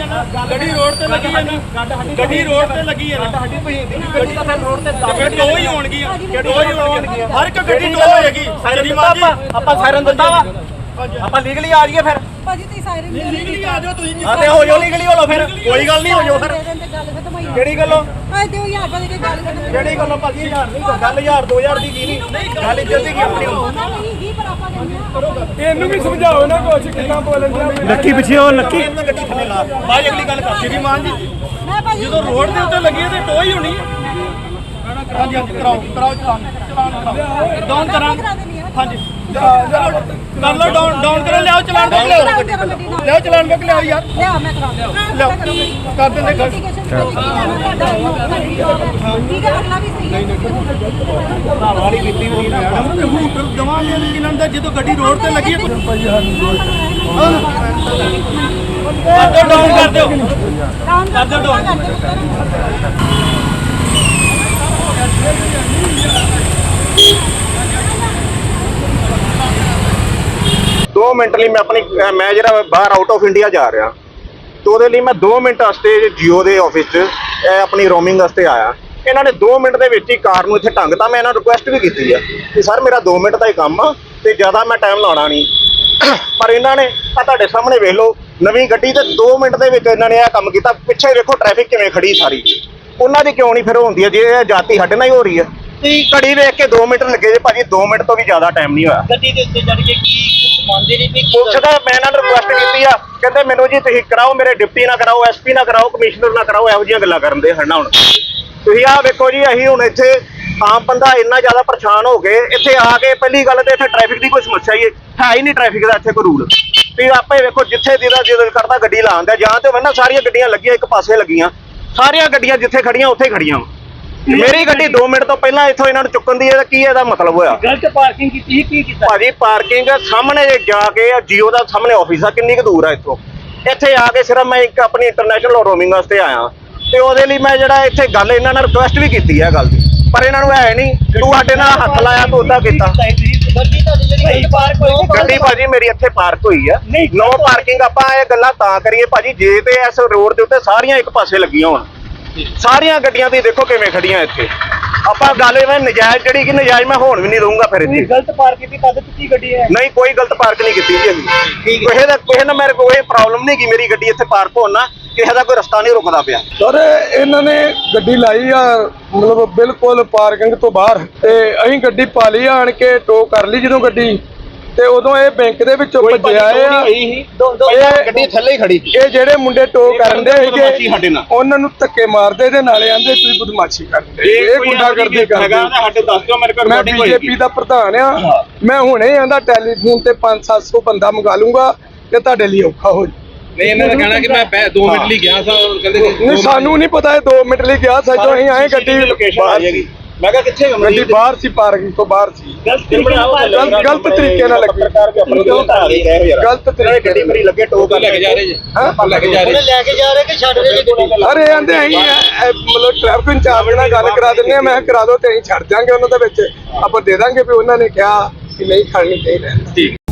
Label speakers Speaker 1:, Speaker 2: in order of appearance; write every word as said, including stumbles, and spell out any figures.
Speaker 1: ਗੱਡੀ ਰੋਡ ਤੇ ਲੱਗੀ ਹੈ ਗੱਡੀ ਰੋਡ ਤੇ ਲੱਗੀ ਹੈ ਸਾਡੀ ਗੱਡੀ ਤਾਂ ਫਿਰ ਰੋਡ ਤੇ ਫਿਰ ਦੋ ਹੀ ਹੋਣਗੀਆਂ ਦੋ ਹੀ ਹੋਣਗੀਆਂ ਹਰ ਇੱਕ ਗੱਡੀ ਦੋ ਹੋਏਗੀ ਸਾਇਰਨ ਆਪਾਂ ਆਪਾਂ ਸਾਇਰਨ ਦਿੰਦਾ ਵਾ ਆਪਾਂ ਲੀਗਲੀ ਆ ਜਾਈਏ ਫਿਰ
Speaker 2: ਭਾਜੀ ਤੁਸੀਂ ਸਾਇਰਨ
Speaker 1: ਲੀਗਲੀ ਆ ਜਾਓ ਤੁਸੀਂ ਹਾਂ ਤੇ ਹੋ ਜਾਓ ਲੀਗਲੀ ਹੋ ਲਓ ਫਿਰ ਕੋਈ ਗੱਲ ਨਹੀਂ ਹੋ ਜਾਓ ਫਿਰ ਕਿਹੜੀ ਗੱਲੋਂ
Speaker 2: ਆਏ ਦਿਓ ਯਾਰ ਭਾਜੀ ਦੀ ਗੱਲ ਕਰ
Speaker 1: ਕਿਹੜੀ ਗੱਲੋਂ ਭਾਜੀ ਹਜ਼ਾਰ ਨਹੀਂ ਗੱਲ ਹਜ਼ਾਰ ਦੋ ਹਜ਼ਾਰ ਦੀ ਕੀ ਨਹੀਂ ਗੱਲ ਇੱਜ਼ਤ ਦੀ ਕੀ ਆਪਣੀ
Speaker 2: ਨਹੀਂ ਹੀ ਪਰ ਆਪਾਂ ਕਹਿੰਦੇ ਆ
Speaker 3: ਇਹਨੂੰ ਵੀ ਸਮਝਾਓ ਨਾ ਕੁਛ ਕਿੰਨਾ ਬੋਲਣ ਦਿਆ
Speaker 1: ਲੱਕੀ ਪਿੱਛੇ ਉਹ ਲੱਕੀ ਗੱਡੀ ਥੱਲੇ ਲਾ ਬਾਅਦ ਅਗਲੀ ਗੱਲ ਕਰ ਸ਼੍ਰੀਮਾਨ ਜੀ
Speaker 2: ਮੈਂ ਭਾਜੀ
Speaker 1: ਜਦੋਂ ਰੋਡ ਦੇ ਉੱਤੇ ਲੱਗੀ ਤੇ ਟੋ ਹੀ ਹੋਣੀ ਹੈ ਹਾਂਜੀ ਹਾਂਜੀ ਕਰਾਓ ਕਰਾਓ ਚਲਾਨ ਚਲਾਨ ਕਰਾਓ ਡਾਊਨ ਕਰਾਂ ਹਾਂਜੀ ਕਰ ਲਓ ਡਾਊਨ ਡਾਊਨ ਕਰੋ ਲਿਆਓ ਚਲਾਨ ਬੁੱਕ ਲਿਆਓ ਲਿਆਓ ਚਲਾਨ ਬੁੱਕ ਲਿਆਓ ਯਾਰ
Speaker 2: ਲਿਆ ਮੈਂ ਕਰਾ
Speaker 1: ਲਿਆਓ ਕਰ ਦਿੰਦੇ ਗੱਲ
Speaker 2: ਠੀਕ ਹੈ ਅਗਲਾ ਵੀ ਸਹੀ ਹੈ
Speaker 1: ਵਾਲੀ ਕੀਤੀ ਵੀ ਨਹੀਂ ਮੈਡਮ ਹੂਟਰ ਦਵਾਂਗੇ ਇਹਨਾਂ ਦਾ ਜਦੋਂ ਗੱਡੀ ਰੋਡ ਤੇ ਲੱਗੀ ਹੈ ਭਾਈ ਸਾਨੂੰ ਡਾਊਨ ਕਰ ਦਿਓ
Speaker 2: ਡਾਊਨ ਕਰ ਦਿਓ ਡਾਊਨ
Speaker 4: दो मिनट ਲਈ ਮੈਂ ਆਪਣੀ ਮੈਂ ਜਿਹੜਾ ਬਾਹਰ ਆਊਟ ਆਫ ਇੰਡੀਆ ਜਾ ਰਿਹਾ ਤੇ ਉਹਦੇ ਲਈ ਮੈਂ ਦੋ ਮਿੰਟ ਵਾਸਤੇ ਜੀਓ ਦੇ ਆਫਿਸ 'ਚ ਆਪਣੀ ਰੋਮਿੰਗ ਵਾਸਤੇ ਆਇਆ। ਇਹਨਾਂ ਨੇ ਦੋ ਮਿੰਟ ਦੇ ਵਿੱਚ ਹੀ ਕਾਰ ਨੂੰ ਇੱਥੇ ਢੰਗਤਾ। ਮੈਂ ਇਹਨਾਂ ਨੂੰ ਰਿਕੁਐਸਟ ਵੀ ਕੀਤੀ ਆ ਕਿ ਸਰ ਮੇਰਾ ਦੋ ਮਿੰਟ ਦਾ ਹੀ ਕੰਮ ਆ ਤੇ ਜ਼ਿਆਦਾ ਮੈਂ ਟਾਈਮ ਲਾਉਣਾ ਨਹੀਂ, ਪਰ ਇਹਨਾਂ ਨੇ ਆ ਤੁਹਾਡੇ ਸਾਹਮਣੇ ਵੇਖ ਲਓ ਨਵੀਂ ਗੱਡੀ ਤੇ ਦੋ ਮਿੰਟ ਦੇ ਵਿੱਚ ਇਹਨਾਂ ਨੇ ਇਹ ਕੰਮ ਕੀਤਾ। ਪਿੱਛੇ ਵੇਖੋ ਟ੍ਰੈਫਿਕ ਕਿਵੇਂ ਖੜੀ ਸਾਰੀ, ਉਹਨਾਂ ਦੀ ਕਿਉਂ ਨਹੀਂ ਫਿਰ ਹੁੰਦੀ ਹੈ ਜੇ ਇਹ ਜਾਤੀ ਸਾਡੇ ਨਾਲ ਹੀ ਹੋ ਰਹੀ ਹੈ। ਘੜੀ ਵੇਖ ਕੇ ਦੋ ਮਿੰਟ ਲੱਗੇ ਜੇ ਭਾਜੀ, ਦੋ ਮਿੰਟ ਤੋਂ ਵੀ ਜ਼ਿਆਦਾ ਟਾਈਮ ਨਹੀਂ ਹੋਇਆ।
Speaker 1: ਗੱਡੀ ਦੇ ਉੱਤੇ ਚੜ ਕੇ ਕੀ ਕੁਝ ਮੰਨਦੇ ਨਹੀਂ ਵੀ
Speaker 4: ਪੁੱਛਦਾ ਮੈਂ ਇਹਨਾਂ ਨੂੰ ਰਿਕੁਐਸਟ ਕੀਤੀ ਆ, ਕਹਿੰਦੇ ਮੈਨੂੰ ਜੀ ਤੁਸੀਂ ਕਰਾਓ, ਮੇਰੇ ਡਿਪਟੀ ਨਾ ਕਰਾਓ, ਐਸਪੀ ਨਾ ਕਰਾਓ, ਕਮਿਸ਼ਨਰ ਨਾ ਕਰਾਓ, ਇਹੋ ਜਿਹੀਆਂ ਗੱਲਾਂ ਕਰਨ ਦੇ ਹਨਾ। ਹੁਣ ਤੁਸੀਂ ਆਹ ਵੇਖੋ ਜੀ, ਅਸੀਂ ਹੁਣ ਇੱਥੇ ਆਮ ਬੰਦਾ ਇੰਨਾ ਜ਼ਿਆਦਾ ਪਰੇਸ਼ਾਨ ਹੋ ਗਏ ਇੱਥੇ ਆ ਕੇ। ਪਹਿਲੀ ਗੱਲ ਤੇ ਇੱਥੇ ਟ੍ਰੈਫਿਕ ਦੀ ਕੋਈ ਸਮੱਸਿਆ ਹੀ ਹੈ ਹੀ ਨਹੀਂ, ਟ੍ਰੈਫਿਕ ਦਾ ਇੱਥੇ ਕੋਈ ਰੂਲ। ਤੁਸੀਂ ਆਪੇ ਵੇਖੋ ਜਿੱਥੇ ਜਿਹਦਾ ਦਿਲ ਕਰਦਾ ਗੱਡੀ ਲਾਉਣ ਦਾ, ਜਾਂ ਤੇ ਹੋਵੇ ਨਾ ਸਾਰੀਆਂ ਗੱਡੀਆਂ ਲੱਗੀਆਂ ਇੱਕ ਪਾਸੇ ਲੱਗੀਆਂ, ਸਾਰੀਆਂ ਗੱਡੀਆਂ ਜਿੱਥੇ ਖੜੀਆਂ ਉੱਥੇ ਖੜੀਆਂ। ਮੇਰੀ ਗੱਡੀ ਦੋ ਮਿੰਟ ਤੋਂ ਪਹਿਲਾਂ ਇੱਥੋਂ ਇਹਨਾਂ ਨੂੰ ਚੁੱਕਣ ਦੀ ਇਹਦਾ ਕੀ ਇਹਦਾ ਮਤਲਬ ਹੋਇਆ?
Speaker 1: ਗਲਤ ਪਾਰਕਿੰਗ ਕੀਤੀ ਕੀ ਕੀਤਾ
Speaker 4: ਭਾਜੀ? ਪਾਰਕਿੰਗ ਸਾਹਮਣੇ ਜਾ ਕੇ ਜੀਓ ਦਾ ਸਾਹਮਣੇ ਆਫਿਸ ਆ, ਕਿੰਨੀ ਕੁ ਦੂਰ ਆ ਇੱਥੋਂ? ਇੱਥੇ ਆ ਕੇ ਸਿਰਫ ਮੈਂ ਇੱਕ ਆਪਣੀ ਇੰਟਰਨੈਸ਼ਨਲ ਰੋਮਿੰਗ ਵਾਸਤੇ ਆਇਆ ਤੇ ਉਹਦੇ ਲਈ ਮੈਂ ਜਿਹੜਾ ਇੱਥੇ ਗੱਲ ਇਹਨਾਂ ਨਾਲ ਰਿਕੁਐਸਟ ਵੀ ਕੀਤੀ ਹੈ ਗੱਲ ਦੀ, ਪਰ ਇਹਨਾਂ ਨੂੰ ਹੈ ਨਹੀਂ। ਤੂੰ ਸਾਡੇ ਨਾਲ ਹੱਥ ਲਾਇਆ ਤੂੰ ਉਦਾਂ ਕੀਤਾ।
Speaker 1: ਗੱਡੀ ਤੁਹਾਡੀ ਜਿਹੜੀ ਪਾਰਕ ਹੋਈ
Speaker 4: ਗੱਡੀ ਭਾਜੀ ਮੇਰੀ ਇੱਥੇ ਪਾਰਕ ਹੋਈ ਆ, ਨੋ ਪਾਰਕਿੰਗ। ਆਪਾਂ ਇਹ ਗੱਲਾਂ ਤਾਂ ਕਰੀਏ ਭਾਜੀ ਜੇ ਤੇ ਇਸ ਰੋਡ ਦੇ ਉੱਤੇ ਸਾਰੀਆਂ ਇੱਕ ਪਾਸੇ ਲੱਗੀਆਂ ਹੋਣ, ਸਾਰੀਆਂ ਗੱਡੀਆਂ ਤੁਸੀਂ ਦੇਖੋ ਕਿਵੇਂ ਖੜੀਆਂ ਇੱਥੇ। ਆਪਾਂ ਗੱਲ ਇਹ ਨਜਾਇਜ਼ ਜਿਹੜੀ ਕਿ ਨਜਾਇਜ਼ ਮੈਂ ਹੋਣ ਵੀ ਨਹੀਂ ਦਊਂਗਾ ਫਿਰ ਇੱਥੇ।
Speaker 1: ਗਲਤ ਪਾਰਕ ਕੀਤੀ ਕਦ ਕੀਤੀ ਗੱਡੀ ਹੈ?
Speaker 4: ਨਹੀਂ ਕੋਈ ਗਲਤ ਪਾਰਕ ਨਹੀਂ ਕੀਤੀ ਜੀ ਅਸੀਂ। ਕਿਸੇ ਦਾ ਕਿਸੇ ਨਾਲ ਮੇਰੇ ਕੋਈ ਪ੍ਰੋਬਲਮ ਨਹੀਂ ਕਿ ਮੇਰੀ ਗੱਡੀ ਇੱਥੇ ਪਾਰਕ ਹੋਣ ਨਾ, ਕਿਸੇ ਦਾ ਕੋਈ ਰਸਤਾ ਨਹੀਂ ਰੁਕਦਾ ਪਿਆ।
Speaker 3: ਸਰ ਇਹਨਾਂ ਨੇ ਗੱਡੀ ਲਾਈ ਆ ਮਤਲਬ ਬਿਲਕੁਲ ਪਾਰਕਿੰਗ ਤੋਂ ਬਾਹਰ, ਤੇ ਅਸੀਂ ਗੱਡੀ ਪਾ ਲਈ ਆਣ ਕੇ ਟੋ ਕਰ ਲਈ ਜਦੋਂ ਗੱਡੀ, ਤੇ ਉਦੋਂ ਇਹ ਬੈਂਕ ਦੇ ਵਿੱਚੋਂ ਭੱਜਿਆ ਆ।
Speaker 4: ਗੱਡੀ ਥੱਲੇ ਹੀ ਖੜੀ।
Speaker 3: ਇਹ ਜਿਹੜੇ ਮੁੰਡੇ ਟੋ ਕਰਨ ਦੇ ਸੀਗੇ ਉਹਨਾਂ ਨੂੰ ਧੱਕੇ ਮਾਰਦੇ ਤੇ ਨਾਲੇ ਆਂਦੇ ਤੁਸੀਂ ਬਦਮਾਸ਼ੀ ਕਰਦੇ, ਇਹ ਗੁੰਡਾਗਰਦੀ ਕਰਦੇ।
Speaker 4: ਸਾਡੇ ਦੱਸ ਦਿਓ ਮੇਰੇ ਕੋਲ।
Speaker 3: ਮੈਂ ਬੀਜੇਪੀ ਦਾ ਪ੍ਰਧਾਨ ਆ, ਮੈਂ ਹੁਣੇ ਆਂਦਾ ਟੈਲੀਫੋਨ ਤੇ ਪੰਜ ਸੱਤ ਸੌ ਬੰਦਾ ਮੰਗਾ ਲੂੰਗਾ ਤੇ ਤੁਹਾਡੇ ਲਈ ਔਖਾ ਹੋ ਜਾਊ।
Speaker 5: ਨਹੀਂ ਇਹਨਾਂ ਨੇ ਕਹਿਣਾ ਕਿ ਮੈਂ ਦੋ ਮਿੰਟ ਲਈ ਗਿਆ ਸਾਂ, ਕਹਿੰਦੇ
Speaker 3: ਨਹੀਂ ਸਾਨੂੰ ਨਹੀਂ ਪਤਾ ਇਹ ਦੋ ਮਿੰਟ ਲਈ ਗਿਆ ਸੱਜੋ। ਅਸੀਂ ਆਏ ਗੱਡੀ
Speaker 4: ਲੋਕੇਸ਼ਨ ਆ ਜਾਏਗੀ। ਮੈਂ ਕਿਹਾ ਕਿੱਥੇ ਹੋ?
Speaker 3: ਗੱਡੀ ਬਾਹਰ ਸੀ, ਪਾਰਕਿੰਗ ਤੋਂ ਬਾਹਰ ਸੀ।
Speaker 4: ਗਲਤ
Speaker 3: ਗਲਤ ਤਰੀਕੇ ਨਾਲ ਲੱਗੀ, ਗਲਤ ਤਰੀਕੇ
Speaker 4: ਗੱਡੀ ਮੇਰੀ ਲੱਗੇ ਟੋ ਕਰ
Speaker 5: ਲੈ ਕੇ ਜਾ ਰਹੇ ਜੀ,
Speaker 3: ਹਾਂ
Speaker 5: ਲੈ ਕੇ ਜਾ ਰਹੇ
Speaker 1: ਲੈ ਕੇ ਜਾ ਰਹੇ ਕਿ ਛੱਡ ਰਹੇ ਜੀ?
Speaker 3: ਅਰੇ ਆਂਦੇ ਅਸੀਂ ਮਤਲਬ ਟ੍ਰੈਫਿਕ ਇੰਚਾਰਜ ਨਾਲ ਗੱਲ ਕਰਾ ਦਿੰਦੇ ਆ। ਮੈਂ ਕਰਾ ਦੋ ਤੇ ਅਸੀਂ ਛੱਡ ਜਾਾਂਗੇ ਉਹਨਾਂ ਦੇ ਵਿੱਚ, ਆਪਾਂ ਦੇ ਦਾਂਗੇ ਵੀ ਉਹਨਾਂ ਨੇ ਕਿਹਾ ਕਿ ਨਹੀਂ ਖੜਨੀ ਚਾਹੀਦੀ।